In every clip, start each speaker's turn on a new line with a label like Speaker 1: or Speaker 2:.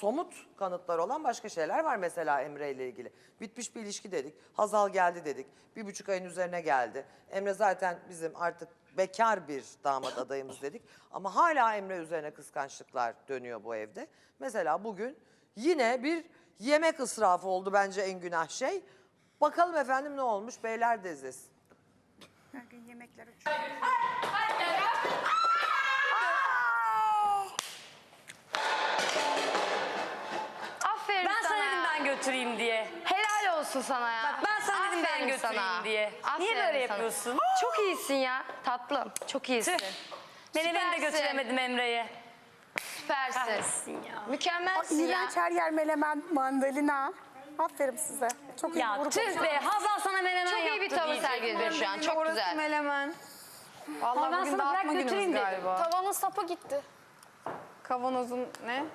Speaker 1: somut kanıtları olan başka şeyler var mesela Emre ile ilgili. Bitmiş bir ilişki dedik. Hazal geldi dedik. 1,5 ayın üzerine geldi. Emre zaten bizim artık bekar bir damat adayımız dedik. Ama hala Emre üzerine kıskançlıklar dönüyor bu evde. Mesela bugün yine bir yemek israfı oldu bence en günah şey. Bakalım efendim ne olmuş? Beyler de izlesin.
Speaker 2: Her gün yemekler uçuyor.
Speaker 3: Aferin
Speaker 4: Ben sana dedim ben götüreyim diye.
Speaker 3: Helal olsun sana ya.
Speaker 4: Bak ben sana dedim ben
Speaker 3: Aferin
Speaker 4: götüreyim
Speaker 3: sana.
Speaker 4: diye.
Speaker 3: Aferin
Speaker 4: Niye böyle
Speaker 3: sana.
Speaker 4: yapıyorsun?
Speaker 3: Çok iyisin ya tatlım. Çok iyisin.
Speaker 4: Tüh. Beni de
Speaker 3: Süpersin.
Speaker 4: götüremedim Emre'ye.
Speaker 3: Süpersin.
Speaker 4: Kahretsin ya.
Speaker 3: Mükemmelsin ya.
Speaker 2: İğrenç her yer melemen, mandalina. Aferin size. Çok iyi.
Speaker 4: Ya
Speaker 2: grup.
Speaker 4: tüh be Hazal sana menemen
Speaker 3: Çok iyi
Speaker 4: yaptı
Speaker 3: bir tavır
Speaker 4: diyecek.
Speaker 3: sergiledi şu an. Çok güzel.
Speaker 5: Melemen.
Speaker 4: Ama
Speaker 5: Vallahi
Speaker 4: ben
Speaker 5: bugün
Speaker 4: sana bırak
Speaker 5: dağıtma günümüz
Speaker 4: götüreyim dedim.
Speaker 5: galiba.
Speaker 3: Tavanın sapı gitti.
Speaker 5: Kavanozun ne?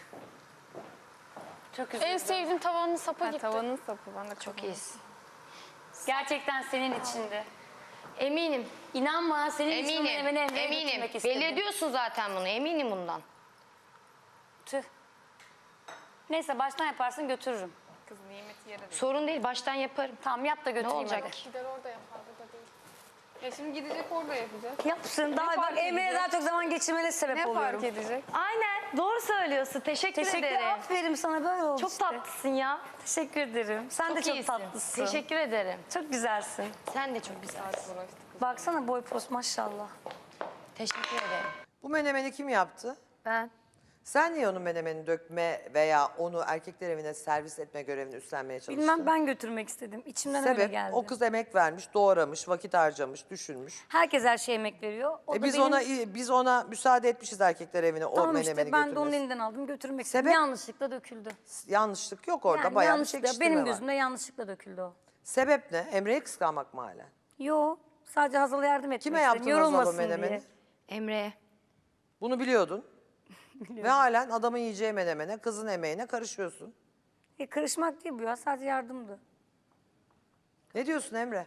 Speaker 4: Çok
Speaker 3: En
Speaker 4: üzüldüm.
Speaker 3: sevdiğim tavanın sapı
Speaker 5: Ha,
Speaker 3: gitti.
Speaker 5: tavanın sapı. Ben de
Speaker 3: Çok iyisin.
Speaker 4: Gerçekten senin içinde.
Speaker 3: Eminim.
Speaker 4: İnan bana senin için
Speaker 3: Eminim.
Speaker 4: menemeni Emre'ye
Speaker 3: Eminim.
Speaker 4: götürmek istedim.
Speaker 3: Belli ediyorsun zaten bunu. Eminim bundan.
Speaker 4: Tüh. Neyse baştan yaparsın götürürüm.
Speaker 5: kızın nimeti yere değil.
Speaker 3: Sorun değil. Baştan yaparım.
Speaker 4: Tamam yap da
Speaker 3: Ne
Speaker 4: götüreyim
Speaker 3: olacak
Speaker 4: hadi.
Speaker 3: ki?
Speaker 5: Gider orada yapar burada değil. Ya şimdi gidecek orada yapacak.
Speaker 4: Yapsın. Daha bak
Speaker 5: fark
Speaker 4: Emre'ye
Speaker 5: edecek?
Speaker 4: daha çok zaman geçirmene sebep
Speaker 5: Ne
Speaker 4: oluyorum.
Speaker 5: fark edecek?
Speaker 4: Aynen. Doğru söylüyorsun. Teşekkür ederim. Aferin sana böyle oldu
Speaker 3: Çok
Speaker 4: işte.
Speaker 3: tatlısın ya.
Speaker 4: Teşekkür ederim. Sen de çok
Speaker 3: iyisin.
Speaker 4: tatlısın.
Speaker 3: Teşekkür ederim.
Speaker 4: Çok güzelsin.
Speaker 3: Sen de çok güzelsin.
Speaker 4: Baksana boy post maşallah.
Speaker 3: Teşekkür ederim.
Speaker 1: Bu menemeni kim yaptı?
Speaker 3: Ben.
Speaker 1: Sen niye onun menemeni dökme veya onu erkekler evine servis etme görevini üstlenmeye çalıştın?
Speaker 4: Bilmem ben götürmek istedim. İçimden öyle
Speaker 1: Sebep
Speaker 4: geldi.
Speaker 1: o kız emek vermiş, doğramış, vakit harcamış, düşünmüş.
Speaker 4: Herkes her şeye emek veriyor. O da
Speaker 1: Biz ona müsaade etmişiz erkekler evine o
Speaker 4: tamam
Speaker 1: menemeni
Speaker 4: işte ben de onun
Speaker 1: götürmesi.
Speaker 4: elinden aldım götürmek istedim.
Speaker 1: Sebep?
Speaker 4: Yanlışlıkla döküldü.
Speaker 1: Yanlışlık yok orada,
Speaker 4: Yani
Speaker 1: bayağı bir
Speaker 4: yanlışlıkla,
Speaker 1: çekiştirme
Speaker 4: benim
Speaker 1: var.
Speaker 4: gözümde yanlışlıkla döküldü o.
Speaker 1: Sebep ne? Emre'yi kıskanmak mı hala?
Speaker 4: Yo sadece Hazal'a yardım etmek
Speaker 1: Kime
Speaker 4: istedim.
Speaker 1: yaptın Hazal'ı
Speaker 4: Yorulmasın
Speaker 1: menemeni?
Speaker 4: diye.
Speaker 3: Emre'ye.
Speaker 1: Bunu biliyordun. Ve halen adamın yiyeceği menemene, kızın emeğine karışıyorsun.
Speaker 4: Karışmak değil bu ya sadece yardımdı.
Speaker 1: Ne diyorsun Emre?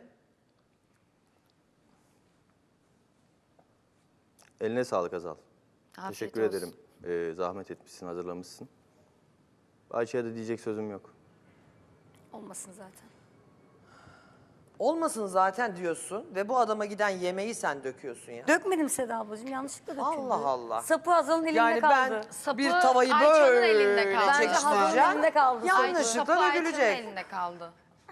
Speaker 6: Eline sağlık Azal.
Speaker 3: Afiyet
Speaker 6: Teşekkür
Speaker 3: olsun.
Speaker 6: ederim. Zahmet etmişsin, hazırlamışsın. Ayça'ya da diyecek sözüm yok.
Speaker 4: Olmasın zaten.
Speaker 1: Olmasın zaten diyorsun ve bu adama giden yemeği sen döküyorsun ya.
Speaker 4: Dökmedim Seda ablacığım yanlışlıkla döküldü.
Speaker 1: Allah Allah.
Speaker 4: Sapı Hazal'ın elinde
Speaker 1: Yani
Speaker 4: kaldı.
Speaker 1: ben bir tavayı
Speaker 3: Ayça'nın
Speaker 1: böyle
Speaker 3: elinde kaldı.
Speaker 4: Bence Hazal'ın
Speaker 1: çekiştireceğim.
Speaker 4: elinde kaldı.
Speaker 1: Yanlışlıkla
Speaker 3: Ayça'nın
Speaker 1: dökülecek.
Speaker 3: elinde kaldı.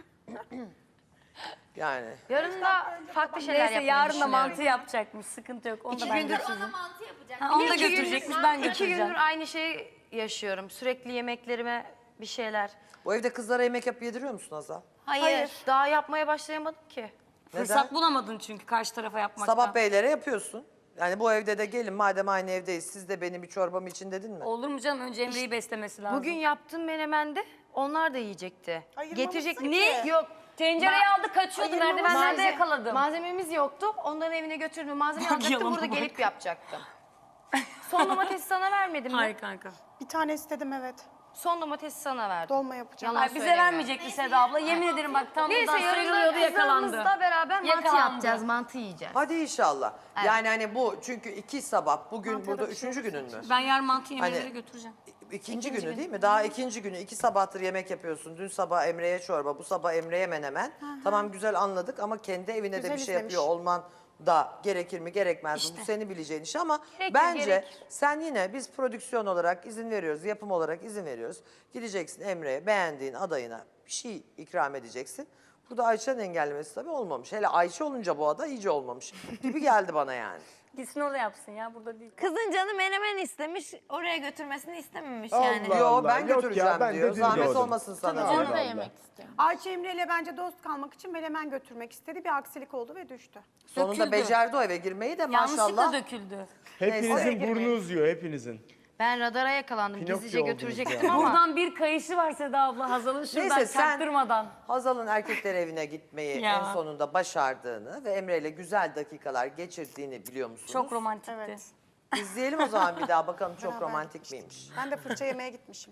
Speaker 1: Yani
Speaker 3: Yarın da farklı şeyler
Speaker 4: Neyse
Speaker 3: yapmayı
Speaker 4: yarın da
Speaker 3: düşünüyorum.
Speaker 4: mantı yapacakmış sıkıntı yok. Onu da ben götürürüm.
Speaker 7: mantı yapacak.
Speaker 4: Ha, onu da
Speaker 3: İki
Speaker 4: götürecekmiş
Speaker 3: gündür-
Speaker 4: ben
Speaker 3: İki
Speaker 4: götüreceğim.
Speaker 3: gündür aynı şeyi yaşıyorum. Sürekli yemeklerime bir şeyler.
Speaker 1: bu evde kızlara yemek yapıp yediriyor musun Azal?
Speaker 3: Hayır. Daha yapmaya başlayamadım ki.
Speaker 4: Fırsat bulamadın çünkü karşı tarafa yapmaktan.
Speaker 1: Sabah beylere yapıyorsun. Yani bu evde de gelin madem aynı evdeyiz siz de benim bir çorbamı için dedin mi?
Speaker 4: Olur mu canım? Önce Emre'yi beslemesi lazım.
Speaker 3: Bugün yaptığım menemende onlar da yiyecekti. Getirecek
Speaker 4: Ne?
Speaker 3: Yok.
Speaker 4: Tencereyi aldı kaçıyordu. Merdivenlerde yakaladım.
Speaker 3: Malzememiz yoktu. Onların evine götürdüm. Malzeme alacaktım.
Speaker 4: Yalana
Speaker 3: Burada
Speaker 4: bak.
Speaker 3: gelip yapacaktım. Son domatesi sana vermedim mi?
Speaker 4: Hayır kanka.
Speaker 2: Bir tane istedim evet.
Speaker 3: Son domatesi sana verdim.
Speaker 2: Dolma yapacağım.
Speaker 3: Yalan
Speaker 4: Bize
Speaker 3: söyleme.
Speaker 4: vermeyecekti Seda abla. Yemin ederim bak tam
Speaker 3: Neyse
Speaker 4: buradan
Speaker 3: yarın
Speaker 4: sıyrılıyordu
Speaker 3: da
Speaker 4: yakalandı.
Speaker 3: kızlarımızla beraber mantı
Speaker 4: Yakalandı.
Speaker 3: yapacağız. Mantı yiyeceğiz.
Speaker 1: Hadi inşallah. Yani hani bu çünkü iki sabah bugün burada üçüncü günün mü?
Speaker 4: Ben yarın mantı yemeğleri
Speaker 1: Hani-
Speaker 4: götüreceğim.
Speaker 1: İkinci günü değil mi? Daha ikinci günü. 2 sabahtır yemek yapıyorsun. Dün sabah Emre'ye çorba, bu sabah Emre'ye menemen. Tamam güzel anladık ama kendi evine de
Speaker 2: Güzel
Speaker 1: bir şey
Speaker 2: izlemiş.
Speaker 1: yapıyor olman da gerekir mi gerekmez mi? Bu senin bileceğin iş ama
Speaker 3: Gerekir,
Speaker 1: bence
Speaker 3: gerekir.
Speaker 1: sen yine biz prodüksiyon olarak izin veriyoruz, yapım olarak izin veriyoruz. Gideceksin Emre'ye beğendiğin adayına bir şey ikram edeceksin. Burada Ayça'nın engellemesi tabii olmamış. Hele Ayça olunca bu ada iyice olmamış gibi geldi bana yani.
Speaker 4: Gitsin orada yapsın ya burada değil.
Speaker 7: Kızın canı menemen istemiş, oraya götürmesini istememiş
Speaker 8: Allah
Speaker 7: yani.
Speaker 8: Allah.
Speaker 1: Yo ben
Speaker 8: Yok ya,
Speaker 1: götüreceğim
Speaker 8: ben
Speaker 1: diyor.
Speaker 8: dedim
Speaker 1: Zahmet
Speaker 8: doğru.
Speaker 1: olmasın sana.
Speaker 8: Tabii.
Speaker 1: diyor.
Speaker 7: Onu da yemek istiyor.
Speaker 2: Ayça Emre ile bence dost kalmak için melemen götürmek istedi. Bir aksilik oldu ve düştü.
Speaker 1: Sonunda
Speaker 4: Döküldü.
Speaker 1: becerdi o eve girmeyi de
Speaker 4: Yanlışlıkla
Speaker 1: maşallah.
Speaker 4: döküldü.
Speaker 8: Hepinizin
Speaker 2: Neyse.
Speaker 8: burnu uzuyor, hepinizin.
Speaker 3: Ben radara yakalandım.
Speaker 8: Pinokyo
Speaker 3: Gizlice
Speaker 8: oldunuz
Speaker 3: götürecektim
Speaker 8: ya.
Speaker 3: ama.
Speaker 4: Buradan bir kayışı var Seda abla Hazal'ın şuradan
Speaker 1: Neyse sen
Speaker 4: çaktırmadan.
Speaker 1: Hazal'ın erkekler evine gitmeyi
Speaker 4: Ya.
Speaker 1: en sonunda başardığını ve Emre ile güzel dakikalar geçirdiğini biliyor musunuz?
Speaker 4: Çok romantikti.
Speaker 2: Evet.
Speaker 1: İzleyelim o zaman bir daha bakalım çok
Speaker 2: Beraber
Speaker 1: romantik
Speaker 2: gitmiştik.
Speaker 1: miymiş.
Speaker 2: Ben de fırça yemeye gitmişim.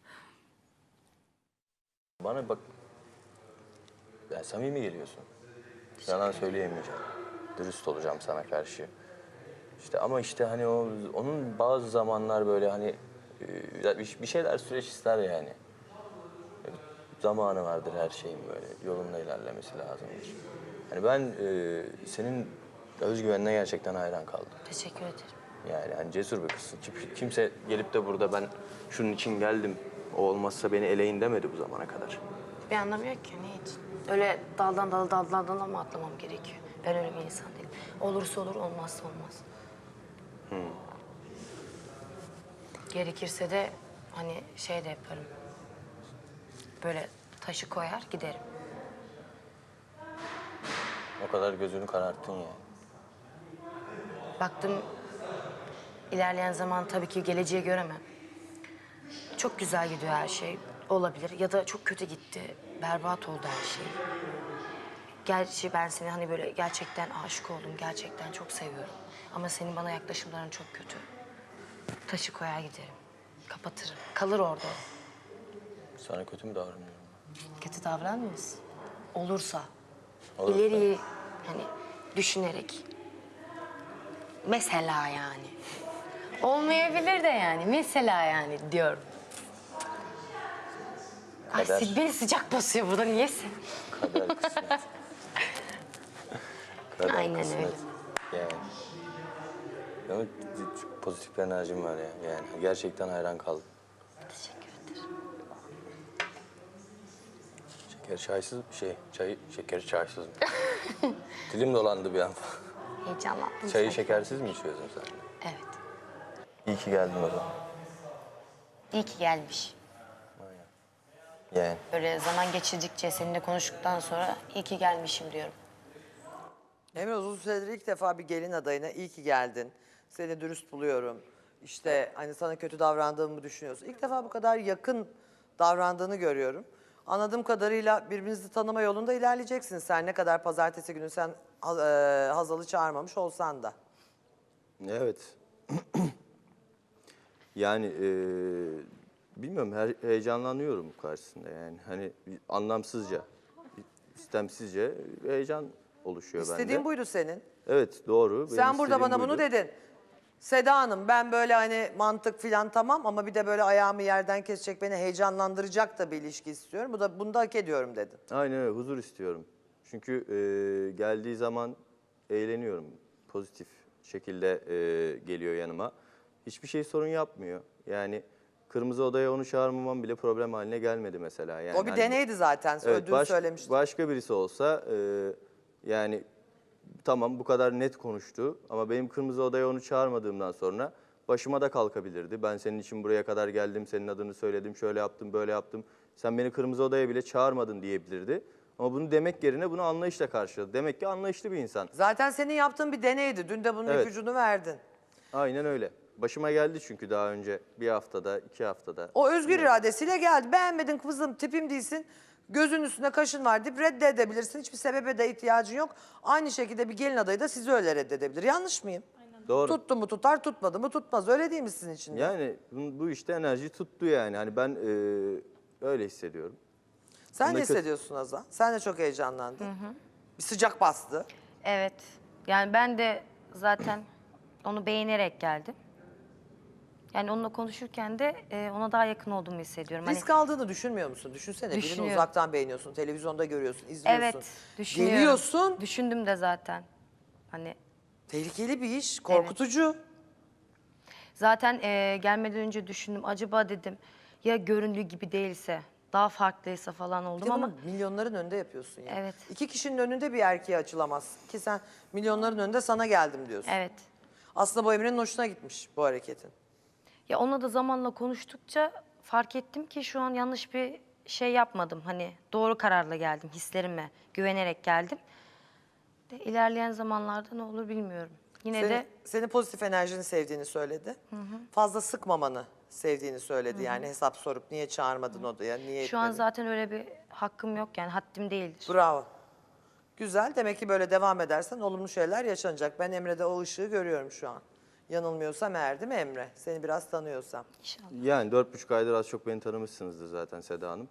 Speaker 6: Bana bak, yani samimi geliyorsun. Yalan söyleyemeyeceğim. Dürüst olacağım sana karşı. İşte ama işte hani onun bazı zamanlar böyle hani bir şeyler süreç ister yani. Zamanı vardır her şeyin böyle yolunda ilerlemesi lazımdır. Hani ben senin özgüvenine gerçekten hayran kaldım.
Speaker 3: Teşekkür ederim.
Speaker 6: Yani hani cesur bir kızsın. Kimse gelip de burada ben şunun için geldim, o olmazsa beni eleyin demedi bu zamana kadar.
Speaker 3: Bir anlamı yok ki ne için? Öyle daldan dala mı atlamam gerekiyor? Ben öyle bir insan değilim. Olursa olur, olmazsa olmaz. Gerekirse de hani şey de yaparım. Böyle taşı koyar giderim.
Speaker 6: O kadar gözünü kararttın ya.
Speaker 3: Baktım ilerleyen zaman tabii ki geleceği göremem. Çok güzel gidiyor her şey. Olabilir ya da çok kötü gitti. Berbat oldu her şey. Gerçi ben seni hani böyle gerçekten aşık oldum. Gerçekten çok seviyorum. Ama senin bana yaklaşımların çok kötü. Taşı koyar giderim. Kapatırım. Kalır orada.
Speaker 6: Sana kötü mü davranıyorum?
Speaker 3: Kötü davranmıyorsun. Olursa.
Speaker 6: Olursa.
Speaker 3: İleriyi hani düşünerek. Mesela yani. Olmayabilir de yani. Mesela yani diyorum. Ay
Speaker 6: Kader.
Speaker 3: beni sıcak basıyor burada. Niyeyse.
Speaker 6: Kader kısmet. Kader
Speaker 3: Aynen
Speaker 6: kısmet.
Speaker 3: öyle.
Speaker 6: Yani. Ama çok pozitif bir enerjim var ya. Yani gerçekten hayran kaldım.
Speaker 3: Teşekkür ederim.
Speaker 6: Şeker çaysız şekeri çaysız mı? Dilim dolandı bir an.
Speaker 3: Heyecanlandım.
Speaker 6: Çayı
Speaker 3: sanki.
Speaker 6: şekersiz mi içiyorsun sen?
Speaker 3: Evet.
Speaker 6: İyi ki geldin o zaman.
Speaker 3: İyi ki gelmiş.
Speaker 6: Yani.
Speaker 3: Böyle zaman geçirdikçe seninle konuştuktan sonra iyi ki gelmişim diyorum.
Speaker 1: Emre uzun süredir ilk defa bir gelin adayına iyi ki geldin. Seni dürüst buluyorum. İşte hani sana kötü davrandığımı düşünüyorsun. İlk defa bu kadar yakın davrandığını görüyorum. Anladığım kadarıyla birbirinizi tanıma yolunda ilerleyeceksiniz. Sen ne kadar pazartesi günü sen Hazal'ı çağırmamış olsan da.
Speaker 6: Evet. Yani bilmiyorum heyecanlanıyorum karşısında yani. Hani anlamsızca, istemsizce heyecan oluşuyor bende.
Speaker 1: İstediğin buydu senin.
Speaker 6: Evet doğru. Benim
Speaker 1: Sen burada
Speaker 6: istediğim
Speaker 1: bana bunu
Speaker 6: buydu.
Speaker 1: dedin. Seda Hanım ben böyle hani mantık filan tamam ama bir de böyle ayağımı yerden kesecek beni heyecanlandıracak da bir ilişki istiyorum. Bunu da hak ediyorum dedin.
Speaker 6: Aynen öyle huzur istiyorum. Çünkü geldiği zaman eğleniyorum. Pozitif şekilde geliyor yanıma. Hiçbir şey sorun yapmıyor. Yani kırmızı odaya onu çağırmamam bile problem haline gelmedi mesela. Yani
Speaker 1: O bir
Speaker 6: hani-
Speaker 1: deneydi zaten.
Speaker 6: Evet,
Speaker 1: Ödül söylemiştim.
Speaker 6: başka birisi olsa yani tamam bu kadar net konuştu ama benim kırmızı odaya onu çağırmadığımdan sonra başıma da kalkabilirdi. Ben senin için buraya kadar geldim, senin adını söyledim, şöyle yaptım, böyle yaptım. Sen beni kırmızı odaya bile çağırmadın diyebilirdi. Ama bunu demek yerine bunu anlayışla karşıladı. Demek ki anlayışlı bir insan.
Speaker 1: Zaten senin yaptığın bir deneydi. Dün de bunun
Speaker 6: Evet.
Speaker 1: ipucunu verdin.
Speaker 6: Aynen öyle. Başıma geldi çünkü daha önce bir haftada, 2 haftada.
Speaker 1: O özgür iradesiyle geldi. Beğenmedin kızım, tipim değilsin. Gözün üstünde kaşın var deyip reddedebilirsin. Hiçbir sebebe de ihtiyacın yok. Aynı şekilde bir gelin adayı da sizi öyle reddedebilir. Yanlış mıyım?
Speaker 6: Doğru.
Speaker 1: Tuttu mu tutar, tutmadı mı tutmaz. Öyle değil mi sizin için de?
Speaker 6: Yani bu işte enerji tuttu yani. Hani ben öyle hissediyorum.
Speaker 1: Sen
Speaker 6: bunda
Speaker 1: ne
Speaker 6: kötü-
Speaker 1: hissediyorsun Azal? Sen de çok heyecanlandın. Bir sıcak bastı.
Speaker 3: Evet. Yani ben de zaten onu beğenerek geldim. Yani onunla konuşurken de ona daha yakın olduğumu hissediyorum. Hani
Speaker 1: Risk aldığını düşünmüyor musun? Düşünsene birini
Speaker 3: Düşünüyorum.
Speaker 1: uzaktan beğeniyorsun, televizyonda görüyorsun, izliyorsun.
Speaker 3: evet, düşünüyorum.
Speaker 1: Geliyorsun.
Speaker 3: Düşündüm de zaten. Hani
Speaker 1: Tehlikeli bir iş, korkutucu.
Speaker 3: zaten gelmeden önce düşündüm. Acaba dedim ya göründüğü gibi değilse, daha farklıysa falan
Speaker 1: Bir
Speaker 3: oldum
Speaker 1: de
Speaker 3: ama
Speaker 1: bunu milyonların önünde yapıyorsun ya.
Speaker 3: Evet.
Speaker 1: 2 kişinin önünde bir erkeğe açılamaz. Ki sen milyonların önünde sana geldim diyorsun.
Speaker 3: evet.
Speaker 1: Aslında bu Emre'nin hoşuna gitmiş bu hareketin.
Speaker 3: Ya onunla da zamanla konuştukça fark ettim ki şu an yanlış bir şey yapmadım. Hani doğru kararla geldim, hislerime güvenerek geldim. De ilerleyen zamanlarda ne olur bilmiyorum. Yine de
Speaker 1: Senin pozitif enerjini sevdiğini söyledi. Fazla sıkmamanı sevdiğini söyledi. Yani hesap sorup niye çağırmadın odaya, niye
Speaker 3: şu an
Speaker 1: etmedin?
Speaker 3: zaten öyle bir hakkım yok yani haddim değildir.
Speaker 1: Bravo. Güzel. Demek ki böyle devam edersen olumlu şeyler yaşanacak. Ben Emre'de o ışığı görüyorum şu an. Yanılmıyorsam eğer değil mi Emre? Seni biraz tanıyorsam.
Speaker 3: İnşallah.
Speaker 6: Yani 4,5 aydır az çok beni tanımışsınızdır zaten Seda Hanım.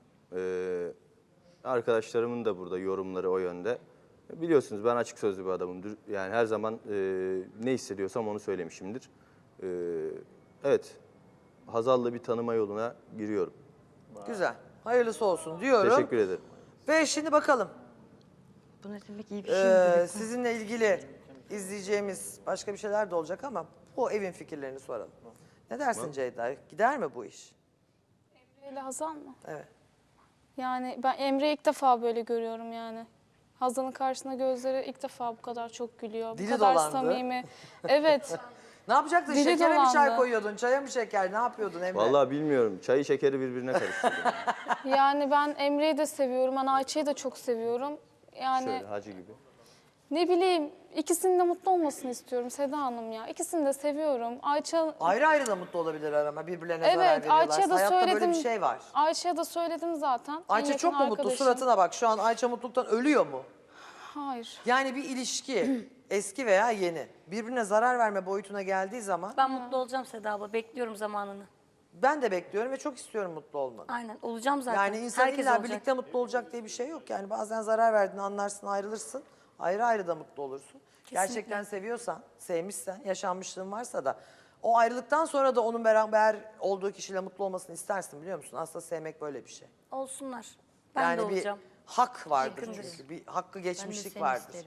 Speaker 6: Arkadaşlarımın da burada yorumları o yönde. Biliyorsunuz ben açık sözlü bir adamımdır. Yani her zaman ne hissediyorsam onu söylemişimdir. Evet, Hazal'la bir tanıma yoluna giriyorum.
Speaker 1: Güzel. Hayırlısı olsun diyorum.
Speaker 6: Teşekkür ederim.
Speaker 1: Ve şimdi bakalım.
Speaker 7: Bu ne demek iyi bir şey mi?
Speaker 1: Sizinle ilgili izleyeceğimiz başka bir şeyler de olacak ama bu evin fikirlerini soralım. Ne dersin Ceyda? Gider mi bu iş?
Speaker 5: Emre ile Hazal mı?
Speaker 1: Evet.
Speaker 5: Yani ben Emre'yi ilk defa böyle görüyorum yani. Hazal'ın karşısında gözleri ilk defa bu kadar çok gülüyor.
Speaker 1: Dili
Speaker 5: bu kadar
Speaker 1: dolandı.
Speaker 5: samimi. Evet.
Speaker 1: Ne yapacaktın?
Speaker 5: Dili
Speaker 1: Şekere mi çay
Speaker 5: dolandı.
Speaker 1: koyuyordun? Çaya mı şeker? Ne yapıyordun Emre?
Speaker 6: Vallahi bilmiyorum. Çayı şekeri birbirine karıştırdım.
Speaker 5: Yani ben Emre'yi de seviyorum. Ben Ayça'yı da çok seviyorum. Yani
Speaker 6: Şöyle hacı gibi.
Speaker 5: ne bileyim ikisinin de mutlu olmasını istiyorum Seda Hanım ya. İkisini de seviyorum. Ayça
Speaker 1: Ayrı ayrı da mutlu olabilirler ama birbirlerine zarar
Speaker 5: evet
Speaker 1: veriyorlar.
Speaker 5: Ayça'ya da
Speaker 1: Hayatta
Speaker 5: söyledim.
Speaker 1: böyle bir şey var.
Speaker 5: Ayça'ya da söyledim zaten. En
Speaker 1: Ayça
Speaker 5: yakın
Speaker 1: çok mu mutlu?
Speaker 5: arkadaşım.
Speaker 1: Suratına bak. Şu an Ayça mutluluktan ölüyor mu?
Speaker 5: Hayır.
Speaker 1: Yani bir ilişki eski veya yeni birbirine zarar verme boyutuna geldiği zaman
Speaker 8: Ben mutlu olacağım Seda abla. Bekliyorum zamanını.
Speaker 1: ben de bekliyorum ve çok istiyorum mutlu olmanı.
Speaker 8: Aynen olacağım zaten.
Speaker 1: Yani insan
Speaker 8: Herkes
Speaker 1: illa
Speaker 8: olacak.
Speaker 1: birlikte mutlu olacak diye bir şey yok. Yani bazen zarar verdiğini anlarsın, ayrılırsın. Ayrı ayrı da mutlu olursun. Gerçekten seviyorsan, sevmişsen, yaşanmışlığın varsa da o ayrılıktan sonra da onun beraber olduğu kişiyle mutlu olmasını istersin biliyor musun? Aslında sevmek böyle bir şey.
Speaker 8: Olsunlar. Ben
Speaker 1: yani
Speaker 8: de
Speaker 1: bir
Speaker 8: olacağım.
Speaker 1: hak vardır
Speaker 8: Yakındır.
Speaker 1: çünkü. Bir hakkı geçmişlik
Speaker 3: seni
Speaker 1: vardır.
Speaker 3: isterim.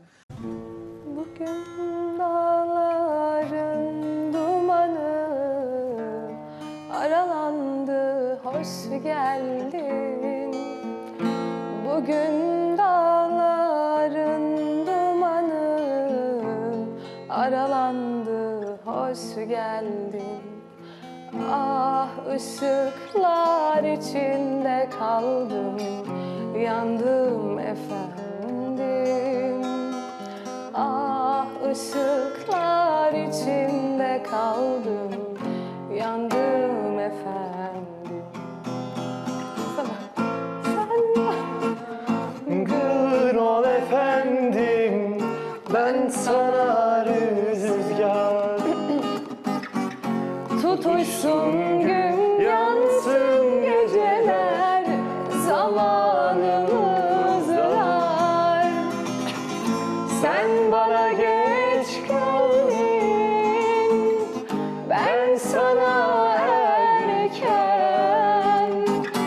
Speaker 9: Bugün dağların dumanı aralandı, hoş geldin. Bugün dağların dumanı aralandı, hoş geldin. Ah ışıklar içinde kaldım, yandım efendim. Ah ışıklar içinde kaldım, yandım efendim.
Speaker 10: Gül ol efendim, ben sana rüzgar.
Speaker 9: Tutuşsun gün, yansın geceler, zamanımız var. Sen bana geç kaldın, ben sana erken.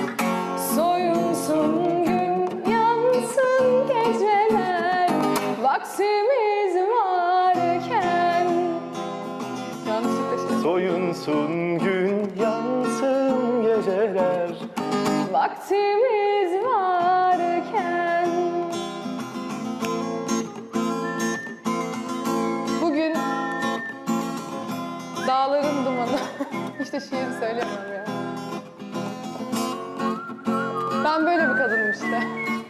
Speaker 9: Soyunsun gün, yansın geceler, vaktimiz varken. Yanlışlıkla
Speaker 10: Soyunsun gün, yansın geceler.
Speaker 9: vaktimiz varken. Bugün dağların dumanı. İşte şiiri söyleyemem ya. Ben böyle bir kadınım işte.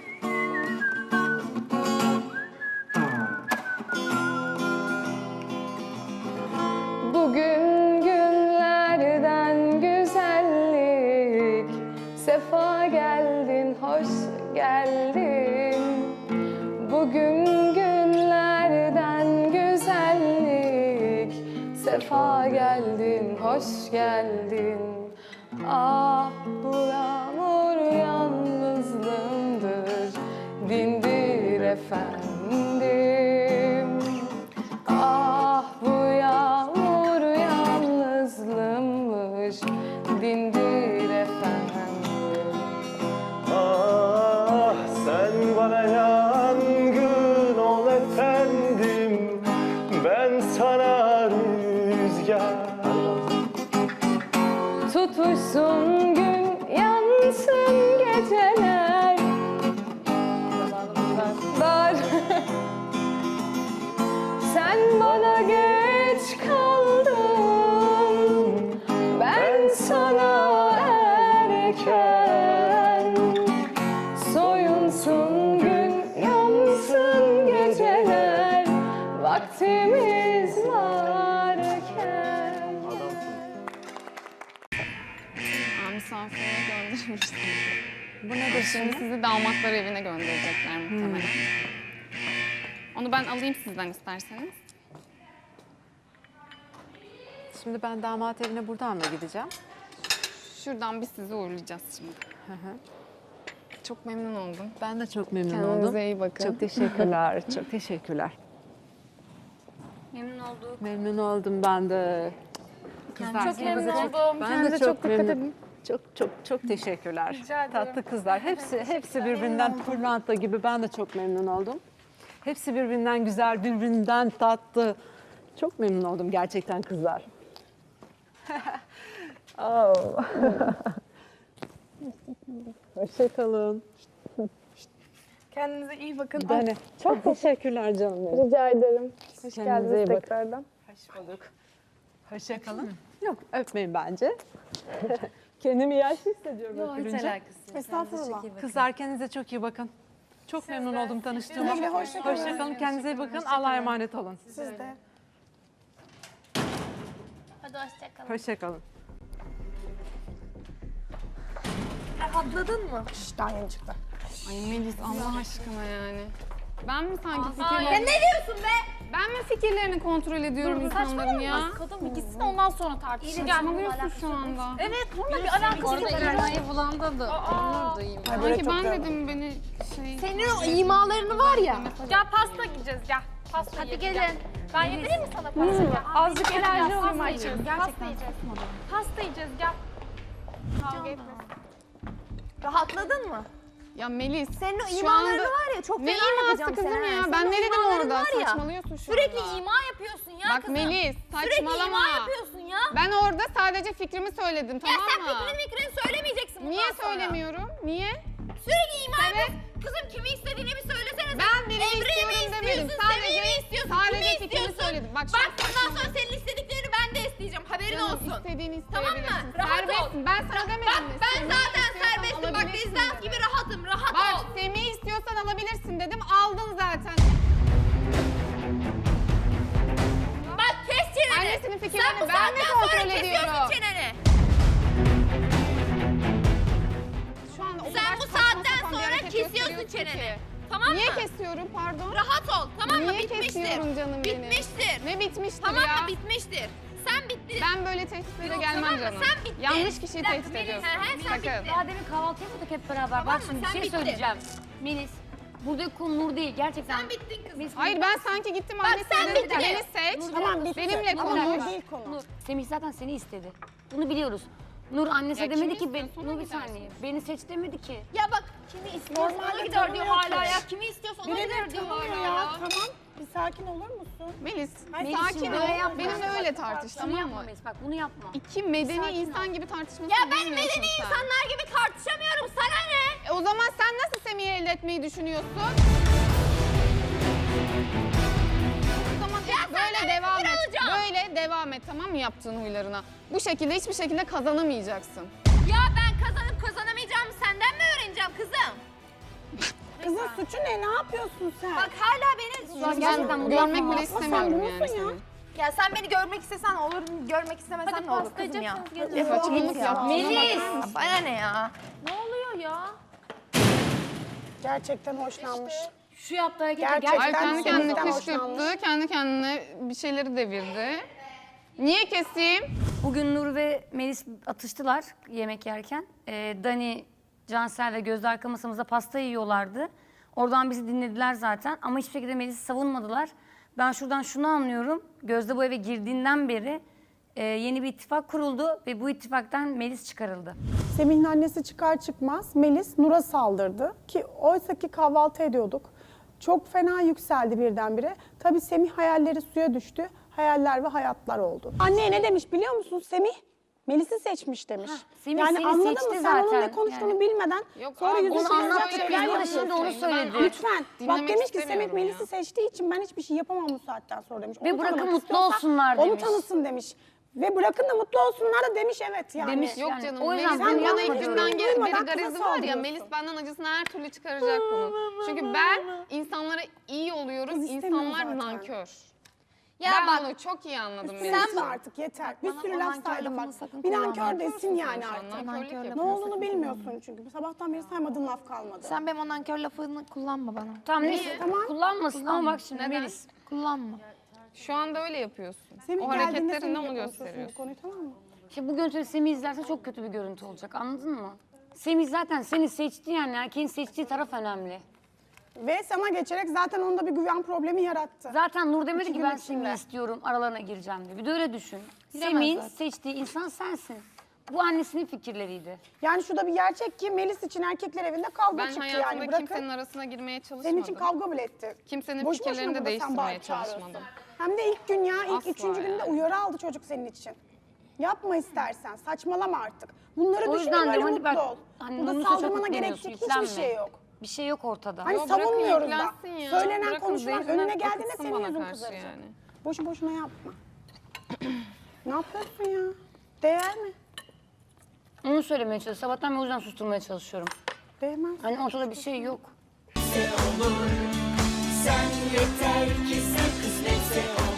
Speaker 9: Bugün günlerden güzellik, sefa geldin, hoş geldin. Bugün günlerden güzellik, sefa geldin, hoş geldin. Ah bu yağmur yalnızlığımdır, dindir efendim. Ah bu yağmur yalnızlığımmış, dindir efendim.
Speaker 10: Ah sen bana yangın ol efendim, ben sana rüzgar.
Speaker 9: Tutuşsun gün, yansın geceler. Dar. Sen bana geç kaldın, ben sana erken. Soyunsun gün, yansın geceler, vaktimiz varken.
Speaker 5: Misafirine göndermiştim. Bu nedir şimdi? Sizi damatlar evine gönderecekler muhtemelen. Onu ben alayım sizden isterseniz.
Speaker 11: Şimdi ben damat evine buradan mı gideceğim?
Speaker 5: Şuradan biz sizi uğurlayacağız şimdi. Çok memnun oldum.
Speaker 11: Ben de çok memnun
Speaker 5: Kendinize
Speaker 11: oldum.
Speaker 5: iyi bakın.
Speaker 11: Çok teşekkürler, çok teşekkürler.
Speaker 8: Memnun olduk.
Speaker 11: Memnun oldum ben de. Kızlar,
Speaker 9: Çok memnun
Speaker 11: size
Speaker 9: oldum.
Speaker 11: Ben
Speaker 9: Kendinize
Speaker 11: de
Speaker 9: çok
Speaker 11: çok
Speaker 9: dikkat
Speaker 11: memnun.
Speaker 9: edin.
Speaker 11: Çok teşekkürler.
Speaker 9: Rica ederim.
Speaker 11: Tatlı kızlar. Hepsi birbirinden pırlanta gibi. Ben de çok memnun oldum. Hepsi birbirinden güzel, birbirinden tatlı. Çok memnun oldum gerçekten kızlar. Oh. Hoşça kalın.
Speaker 9: Kendinize iyi bakın.
Speaker 11: Dani, çok teşekkürler canım benim.
Speaker 9: Rica ederim. Hoş
Speaker 11: Kendinize iyi
Speaker 9: geldiniz
Speaker 11: bakın.
Speaker 9: tekrardan.
Speaker 11: Hoş bulduk. Hoşça kalın. Yok, öpmeyin bence. Kendimi yaşlı hissediyorum öpülünce.
Speaker 2: Estağfurullah.
Speaker 11: Kızlar kendinize çok iyi bakın. Çok memnun oldum tanıştığıma.
Speaker 2: Güle güle, hoşça kalın.
Speaker 11: Hoşça kalın. Kendinize iyi bakın. Allah'a emanet olun.
Speaker 2: Siz de.
Speaker 7: Hadi hoşçakalın.
Speaker 11: Hoşça kalın.
Speaker 7: Rahatladın mı?
Speaker 2: Daha yeni çıktı.
Speaker 5: Ay Melis Allah aşkına yani. Ben mi sanki
Speaker 7: Ya
Speaker 5: fikirlerini...
Speaker 7: ne diyorsun be?
Speaker 5: Ben mi fikirlerini kontrol ediyorum insanların ya?
Speaker 9: Kadın bir gitsin ondan sonra tartışalım.
Speaker 5: Saçmalıyorsun şu anda.
Speaker 9: Evet, bununla bir alakası yok.
Speaker 5: İlmayı bulandadı. Sanki ben dedim beni şey...
Speaker 9: Senin o imalarını var ya. Gel pasta yiyeceğiz gel. Pasta
Speaker 7: Hadi
Speaker 9: yiyeceğiz,
Speaker 7: gelin.
Speaker 9: gel. Ben yedireyim mi sana pasta? Gel.
Speaker 2: Azıcık enerji
Speaker 9: Pasta
Speaker 2: olma
Speaker 9: yiyeceğiz. Pasta yiyeceğiz. Pasta yiyeceğiz gel. Kavga etme.
Speaker 7: Rahatladın mı?
Speaker 5: Ya Melis,
Speaker 7: Senin o
Speaker 5: şu
Speaker 7: imalarını
Speaker 5: anda...
Speaker 7: var ya çok
Speaker 5: Ne
Speaker 7: fena
Speaker 5: iması
Speaker 7: yapacağım
Speaker 5: kızım
Speaker 7: sana.
Speaker 5: ya?
Speaker 7: Senin
Speaker 5: Ben
Speaker 7: o
Speaker 5: ne dedim
Speaker 7: imaların
Speaker 5: orada?
Speaker 7: var ya,
Speaker 5: Saçmalıyorsun şu
Speaker 7: Sürekli
Speaker 5: anda.
Speaker 7: ima yapıyorsun ya
Speaker 5: Bak
Speaker 7: kızım.
Speaker 5: Melis,
Speaker 7: Sürekli
Speaker 5: saçmalama.
Speaker 7: ima yapıyorsun ya.
Speaker 5: Ben orada sadece fikrimi söyledim,
Speaker 7: Ya
Speaker 5: tamam
Speaker 7: sen
Speaker 5: mı?
Speaker 7: fikrini söylemeyeceksin bundan
Speaker 5: Niye
Speaker 7: sonra.
Speaker 5: söylemiyorum? Niye?
Speaker 7: Sürekli ima yapıyorsun. Kızım kimi istediğini bir söylesene.
Speaker 5: Ben birini
Speaker 7: Emre'yi mi
Speaker 5: istiyorum demedim.
Speaker 7: istiyorsun? Semih'i mi istiyorsun?
Speaker 5: Sadece
Speaker 7: Kimi
Speaker 5: fikrimi
Speaker 7: istiyorsun?
Speaker 5: söyledim. Bak,
Speaker 7: Bak bundan sonra senin istediklerini ben de isteyeceğim. Haberin
Speaker 5: Canım,
Speaker 7: olsun.
Speaker 5: istediğini
Speaker 7: Tamam
Speaker 5: isteyebilirsin.
Speaker 7: mı? Rahat ol.
Speaker 5: Serbestsin. Ben sana demedim
Speaker 7: Bak
Speaker 5: mi?
Speaker 7: ben
Speaker 5: Semih'i
Speaker 7: zaten
Speaker 5: istiyorsan
Speaker 7: serbestim. Bak
Speaker 5: alabilirsin
Speaker 7: rezidans
Speaker 5: dedim.
Speaker 7: gibi rahatım. Rahat
Speaker 5: Bak
Speaker 7: ol.
Speaker 5: Semih'i istiyorsan alabilirsin dedim. Aldın zaten.
Speaker 7: Bak kes çeneni.
Speaker 5: Annesinin
Speaker 7: Sen
Speaker 5: fikirlerini
Speaker 7: bu
Speaker 5: ben mi
Speaker 7: saatten sonra
Speaker 5: kontrol
Speaker 7: kesiyorsun
Speaker 5: ediyorum?
Speaker 7: çeneni.
Speaker 5: Şu anda o
Speaker 7: Sen
Speaker 5: kadar
Speaker 7: bu
Speaker 5: saçma
Speaker 7: saatten
Speaker 5: sapan bir
Speaker 7: sonra
Speaker 5: hareket
Speaker 7: kesiyorsun
Speaker 5: gösteriyorsun
Speaker 7: çeneni.
Speaker 5: ki.
Speaker 7: Tamam
Speaker 5: Niye
Speaker 7: mı?
Speaker 5: kesiyorum pardon?
Speaker 7: Rahat ol. Tamam mı?
Speaker 5: Niye
Speaker 7: Bitmiştir.
Speaker 5: kesiyorum canım benim?
Speaker 7: Bitmiştir.
Speaker 5: Ne bitmiştir
Speaker 7: Tamam
Speaker 5: ya?
Speaker 7: mı? Bitmiştir. Sen bittin.
Speaker 5: Ben böyle tehditlere
Speaker 7: Yok,
Speaker 5: gelmem
Speaker 7: tamam mı?
Speaker 5: canım.
Speaker 7: Sen bittin.
Speaker 5: Yanlış kişiyi
Speaker 7: Bir dakika,
Speaker 5: tehdit
Speaker 7: Melis,
Speaker 5: ediyorsun.
Speaker 7: sen
Speaker 5: Sakın.
Speaker 7: bittin.
Speaker 8: Daha demin kahvaltı yapıyorduk hep beraber.
Speaker 7: Tamam
Speaker 8: Bak
Speaker 7: mı?
Speaker 8: şimdi bir
Speaker 7: Sen
Speaker 8: şey
Speaker 7: bittin.
Speaker 8: söyleyeceğim. Melis, burada konu Nur değil gerçekten.
Speaker 7: Sen bittin kızım.
Speaker 5: Hayır ben sanki gittim
Speaker 7: Bak,
Speaker 5: annesine
Speaker 7: sen
Speaker 5: dedim ki
Speaker 7: bittin.
Speaker 5: beni seç.
Speaker 2: Tamam, bitti.
Speaker 5: Benimle
Speaker 2: Ama
Speaker 5: konuş.
Speaker 2: bu değil konu.
Speaker 8: Nur, Semih zaten seni istedi. Bunu biliyoruz. Nur annesi
Speaker 5: Ya
Speaker 8: demedi
Speaker 5: kimi
Speaker 8: ki ben,
Speaker 5: istiyorsun,
Speaker 8: Nur
Speaker 5: ona
Speaker 8: bir
Speaker 5: gidersin.
Speaker 8: saniye. Beni seç demedi ki.
Speaker 7: Ya bak kimi istiyorsa ona
Speaker 2: Normalde
Speaker 7: gider diyor
Speaker 2: tanımıyor
Speaker 7: hala
Speaker 2: ki.
Speaker 7: ya. Kimi istiyorsa ona
Speaker 2: Biri
Speaker 7: gider
Speaker 2: de
Speaker 7: diyor
Speaker 2: tanımıyor
Speaker 7: hala
Speaker 2: ya.
Speaker 7: ya.
Speaker 2: Tamam. Bir sakin olur musun?
Speaker 5: Melis
Speaker 8: Melis,
Speaker 5: sakin
Speaker 8: şimdi
Speaker 5: ol.
Speaker 8: böyle yapma.
Speaker 5: Benimle öyle tartış
Speaker 8: Şunu
Speaker 5: tamam
Speaker 8: yapma
Speaker 5: mı?
Speaker 8: Melis, bak bunu yapma.
Speaker 5: İki medeni
Speaker 8: Sakin ol.
Speaker 5: insan gibi tartışmasını
Speaker 7: Ya ben
Speaker 5: bilmiyorsun
Speaker 7: medeni
Speaker 5: sen.
Speaker 7: insanlar gibi tartışamıyorum. Sana ne?
Speaker 5: O zaman sen nasıl Semih'i elde etmeyi düşünüyorsun? O zaman böyle
Speaker 7: senden
Speaker 5: devam
Speaker 7: fikir
Speaker 5: et.
Speaker 7: alacağım.
Speaker 5: Böyle devam et tamam mı yaptığın huylarına? Bu şekilde hiçbir şekilde kazanamayacaksın.
Speaker 7: Ya ben kazanıp kazanamayacağımı senden mi öğreneceğim kızım?
Speaker 2: Kızın suçu ne? Ne yapıyorsun sen?
Speaker 7: Bak hala beni...
Speaker 8: Gerçekten bunu
Speaker 5: Görmek
Speaker 8: yapma.
Speaker 5: bile istemiyorum yani
Speaker 2: buldun ya.
Speaker 5: seni.
Speaker 7: Ya sen beni görmek istesen olur, görmek istemesen ne olur kızım ya?
Speaker 5: Saçmalık yapma.
Speaker 7: Melis! Bana ne ya? Ne oluyor ya?
Speaker 2: Gerçekten hoşlanmış.
Speaker 8: Şu yaptığı harekete
Speaker 2: Gerçekten
Speaker 5: Ay kendi kendine
Speaker 2: Semih'ten
Speaker 5: kışkırttı,
Speaker 2: hoşlanmış.
Speaker 5: kendi kendine bir şeyleri devirdi. Niye keseyim?
Speaker 8: Bugün Nur ve Melis atıştılar yemek yerken. Dani, Cansel ve Gözde arka masamızda pasta yiyorlardı. Oradan bizi dinlediler zaten ama hiçbir şekilde Melis'i savunmadılar. Ben şuradan şunu anlıyorum. Gözde bu eve girdiğinden beri yeni bir ittifak kuruldu ve bu ittifaktan Melis çıkarıldı.
Speaker 2: Semih'in annesi çıkar çıkmaz Melis Nur'a saldırdı ki oysa ki kahvaltı ediyorduk. Çok fena yükseldi birdenbire. Tabii Semih hayalleri suya düştü. Hayaller ve hayatlar oldu. Anneye ne demiş biliyor musun Semih? Melis'i seçmiş demiş.
Speaker 8: Semih
Speaker 2: yani
Speaker 8: seni
Speaker 2: anladın
Speaker 8: seçti
Speaker 2: mı? Sen onun
Speaker 8: zaten.
Speaker 2: ne konuştuğunu
Speaker 8: Yani.
Speaker 2: bilmeden
Speaker 5: Yok
Speaker 2: sonra
Speaker 5: abi,
Speaker 2: yüzü
Speaker 8: onu
Speaker 2: kızaracak
Speaker 8: anlattık,
Speaker 2: şeyler
Speaker 8: biz
Speaker 2: yapıyorsun.
Speaker 8: şimdi onu söyledi.
Speaker 2: Lütfen. Bak
Speaker 5: Dinlemek
Speaker 2: demiş ki Semih
Speaker 5: istemiyorum
Speaker 2: Melis'i
Speaker 5: ya.
Speaker 2: seçtiği için ben hiçbir şey yapamam bu saatten sonra demiş.
Speaker 8: Ve
Speaker 2: Onu
Speaker 8: bırakın
Speaker 2: tanımak
Speaker 8: mutlu
Speaker 2: istiyorsa
Speaker 8: olsunlar
Speaker 2: Onu
Speaker 8: demiş.
Speaker 2: tanısın demiş. Ve bırakın da mutlu olsunlar da demiş evet yani.
Speaker 8: Demiş.
Speaker 5: Yok
Speaker 8: Yani
Speaker 5: canım.
Speaker 8: o yüzden
Speaker 5: Melis'in
Speaker 8: bunu
Speaker 5: bana
Speaker 8: yapma
Speaker 5: ilk
Speaker 8: diyorum.
Speaker 5: günden beri
Speaker 2: Duymadan
Speaker 5: garezi
Speaker 2: kıza
Speaker 5: var ya.
Speaker 2: saldırıyorsun.
Speaker 5: Melis benden acısını her türlü çıkaracak bunun. Çünkü ben insanlara iyi oluyoruz.
Speaker 2: Kız istemiyor
Speaker 5: İnsanlar
Speaker 2: zaten.
Speaker 5: nankör.
Speaker 7: Ya
Speaker 5: ben
Speaker 7: bak,
Speaker 5: onu çok iyi anladım
Speaker 2: Sen
Speaker 5: Melis'in.
Speaker 2: artık yeter. Bir
Speaker 7: bana
Speaker 2: sürü
Speaker 7: o
Speaker 2: laf
Speaker 7: nankör
Speaker 2: saydım
Speaker 7: lafını
Speaker 2: bak.
Speaker 7: sakın
Speaker 2: Bir nankör
Speaker 7: kullanma.
Speaker 2: desin yani
Speaker 5: Şu an
Speaker 2: artık.
Speaker 5: nankörlük
Speaker 2: Ne
Speaker 5: yapıyorsun.
Speaker 2: olduğunu bilmiyorsun çünkü. Sabahtan beri saymadığın laf kalmadı.
Speaker 7: Sen benim o nankör lafını kullanma bana.
Speaker 8: Tamam neyse
Speaker 2: Tamam.
Speaker 8: kullanmasın ama bak şimdi
Speaker 5: Neden?
Speaker 8: Melis.
Speaker 7: Kullanma.
Speaker 5: Şu anda öyle yapıyorsun.
Speaker 2: Semih
Speaker 5: O
Speaker 2: geldiğinde
Speaker 5: hareketlerinle
Speaker 2: seninle
Speaker 5: onu
Speaker 2: konuşursun bu
Speaker 5: gösteriyorsun.
Speaker 2: konuyu, tamam mı?
Speaker 8: İşte bu görüntüleri Semih izlerse çok kötü bir görüntü olacak anladın mı? Semih zaten seni seçti yani erkeğin seçtiği taraf önemli.
Speaker 2: Ve sana geçerek zaten onda bir güven problemi yarattı.
Speaker 8: Zaten Nur demedi
Speaker 2: İki
Speaker 8: ki
Speaker 2: gün
Speaker 8: ben
Speaker 2: içinde.
Speaker 8: Semih'i istiyorum, aralarına gireceğim diye. Bir de öyle düşün.
Speaker 5: Bilemez
Speaker 8: Semih'in
Speaker 5: zaten.
Speaker 8: seçtiği insan sensin. Bu annesinin fikirleriydi.
Speaker 2: Yani şu da bir gerçek ki Melis için erkekler evinde kavga
Speaker 5: Ben
Speaker 2: çıktı
Speaker 5: hayatımda
Speaker 2: yani. Bırakın.
Speaker 5: kimsenin arasına girmeye çalışmadım.
Speaker 2: Senin için kavga bile etti.
Speaker 5: Kimsenin
Speaker 2: Boş boşuna
Speaker 5: fikirlerini de
Speaker 2: burada sen
Speaker 5: değiştirmeye
Speaker 2: bağırıp çağırıyorsun.
Speaker 5: çalışmadım.
Speaker 2: Hem de ilk gün ya, ilk
Speaker 5: Asla
Speaker 2: üçüncü günde
Speaker 5: yani.
Speaker 2: uyarı aldı çocuk senin için. Yapma istersen, saçmalama artık. Bunları
Speaker 8: O
Speaker 2: düşünme,
Speaker 8: yüzden
Speaker 2: böyle
Speaker 8: diyorum
Speaker 2: mutlu
Speaker 8: hadi bak,
Speaker 2: ol.
Speaker 8: hani
Speaker 2: Burada
Speaker 8: Nur'un suça
Speaker 2: saldırmana
Speaker 8: yükleniyorsun,
Speaker 2: gerekecek hiçbir
Speaker 8: yüklenme.
Speaker 2: şey yok.
Speaker 8: Bir şey yok ortada.
Speaker 2: Hani
Speaker 5: Yo, bırakın
Speaker 2: savunmuyoruz da.
Speaker 5: yüklensin ya.
Speaker 2: Söylenen
Speaker 5: Bırakın
Speaker 2: konuşulan
Speaker 5: zeytinden
Speaker 2: önüne geldiğinde
Speaker 5: akıtsın
Speaker 2: senin
Speaker 5: bana
Speaker 2: yüzün
Speaker 5: karşı
Speaker 2: kızaracak.
Speaker 5: yani.
Speaker 2: Boşu boşuna yapma. Ne yapıyorsun ya? Değer mi?
Speaker 8: Onu söylemeye çalışıyorum. Sabahtan beri o yüzden susturmaya çalışıyorum.
Speaker 2: Değmez.
Speaker 8: Hani ortada bir şey yok.
Speaker 12: Sen yeter ki sen kısmetse